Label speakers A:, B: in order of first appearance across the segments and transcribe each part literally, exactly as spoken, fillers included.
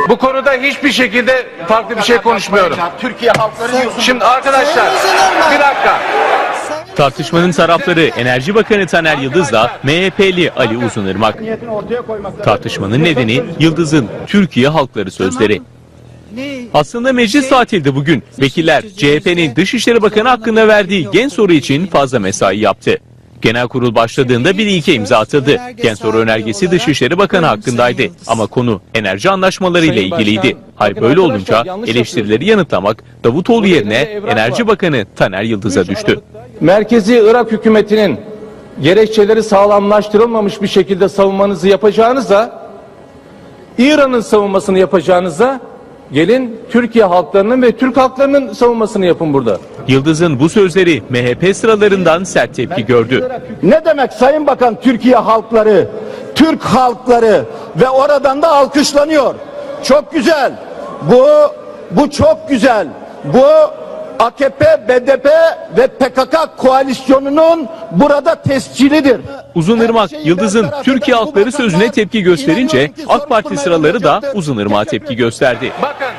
A: Bu konuda hiçbir şekilde farklı bir şey konuşmuyorum.
B: Türkiye halkları diyorsunuz.
A: Şimdi arkadaşlar bir dakika.
C: Tartışmanın tarafları Enerji Bakanı Taner Yıldız'la M H P'li Ali Uzunırmak. Tartışmanın nedeni Yıldız'ın Türkiye halkları sözleri. Aslında meclis tatilde bugün. Vekiller C H P'nin Dışişleri Bakanı hakkında verdiği gen soru için fazla mesai yaptı. Genel kurul başladığında bir ilke imza atıldı. Gen soru önergesi Dışişleri Bakanı hakkındaydı. Ama konu enerji anlaşmaları ile ilgiliydi. Hal böyle olunca eleştirileri yanıtlamak Davutoğlu yerine Enerji Bakanı Taner Yıldız'a düştü.
D: Merkezi Irak hükümetinin gerekçeleri sağlamlaştırılmamış bir şekilde savunmanızı yapacağınıza, İran'ın savunmasını yapacağınıza gelin Türkiye halklarının ve Türk halklarının savunmasını yapın burada.
C: Yıldız'ın bu sözleri M H P sıralarından sert tepki gördü.
B: Ne demek Sayın Bakan Türkiye halkları, Türk halkları ve oradan da alkışlanıyor. Çok güzel. Bu bu çok güzel. Bu A K P, B D P ve P K K koalisyonunun burada tescilidir.
C: Uzunırmak, Yıldız'ın Türkiye halkları sözüne tepki gösterince AK Parti sıraları da Uzunırmak'a tepki gösterdi.
A: Bakın.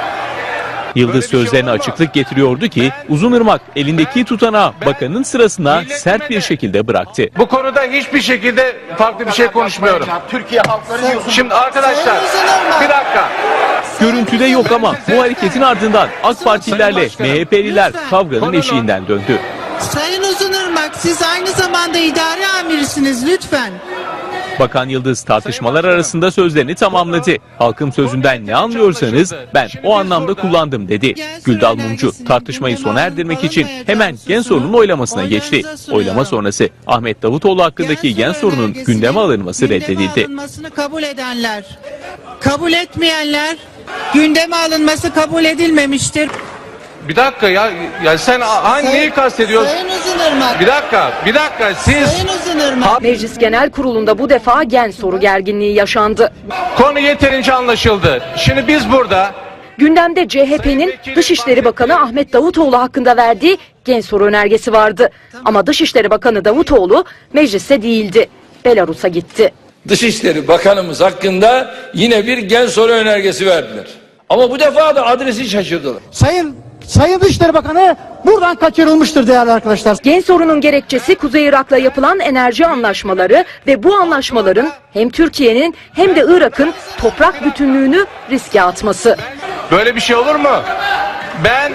C: Yıldız sözlerine açıklık getiriyordu ki Uzunırmak elindeki tutanağı bakanın sırasına sert bir şekilde bıraktı.
A: Bu konuda hiçbir şekilde farklı bir şey konuşmuyorum.
B: Türkiye halkları diyorsunuz.
A: Şimdi arkadaşlar bir dakika.
C: Görüntüde yok ama bu hareketin ardından AK Partililerle M H P'liler kavganın eşiğinden döndü.
E: Sayın Uzunırmak, siz aynı zamanda idare amirisiniz lütfen.
C: Bakan Yıldız tartışmalar arasında sözlerini tamamladı. Halkın sözünden ne anlıyorsanız ben o anlamda kullandım dedi. Güldal Mumcu tartışmayı sona erdirmek için hemen gen sorunun oylamasına geçti. Oylama sonrası Ahmet Davutoğlu hakkındaki gen sorunun gündeme alınması reddedildi.
E: Gündeme alınmasını kabul edenler, kabul etmeyenler, gündeme alınması kabul edilmemiştir.
A: Bir dakika ya. Ya sen hangi neyi kastediyorsun?
E: Sayın Uzunırmak.
A: Bir dakika. Bir dakika. Siz
E: Sayın Uzunırmak.
F: Meclis Genel Kurulu'nda bu defa gen soru gerginliği yaşandı.
A: konu yeterince anlaşıldı. Şimdi biz burada
F: Gündemde C H P'nin Dışişleri Bakanı Ahmet Davutoğlu hakkında verdiği gen soru önergesi vardı. Ama Dışişleri Bakanı Davutoğlu mecliste değildi. Belarus'a gitti.
G: Dışişleri Bakanımız hakkında yine bir gen soru önergesi verdiler. Ama bu defa da adresi şaşırdılar.
H: Sayın Sayın Dışişleri Bakanı buradan kaçırılmıştır değerli arkadaşlar.
F: Gen sorunun gerekçesi Kuzey Irak'la yapılan enerji anlaşmaları ve bu anlaşmaların hem Türkiye'nin hem de Irak'ın toprak bütünlüğünü riske atması.
A: böyle bir şey olur mu? Ben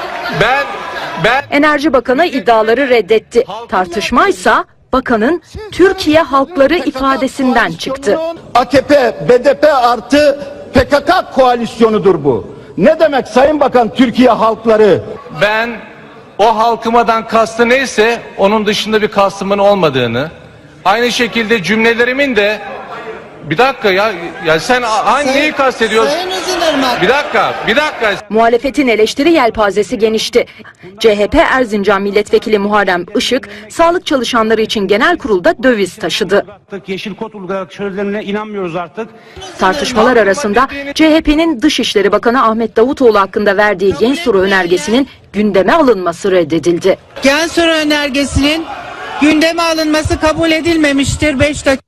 A: ben ben
F: Enerji Bakanı iddiaları reddetti. Tartışmaysa bakanın Türkiye halkları ifadesinden çıktı.
B: A K P, B D P artı P K K koalisyonudur bu. Ne demek Sayın Bakan Türkiye halkları?
A: ben o halkımadan kastı neyse onun dışında bir kastımın olmadığını, aynı şekilde cümlelerimin de bir dakika ya ya sen hangi neyi kastediyorsun?
E: Sayın Uzunırmak.
A: Bir dakika, bir dakika.
F: Muhalefetin eleştiri yelpazesi genişti. C H P Erzincan Milletvekili Muharrem Işık, sağlık çalışanları için genel kurulda döviz taşıdı.
H: Yeşil kod uygulayarak sözlerine inanmıyoruz artık.
F: Tartışmalar arasında C H P'nin Dışişleri Bakanı Ahmet Davutoğlu hakkında verdiği gen soru önergesinin gündeme alınması reddedildi.
E: Gen soru önergesinin gündeme alınması kabul edilmemiştir. beş dakika.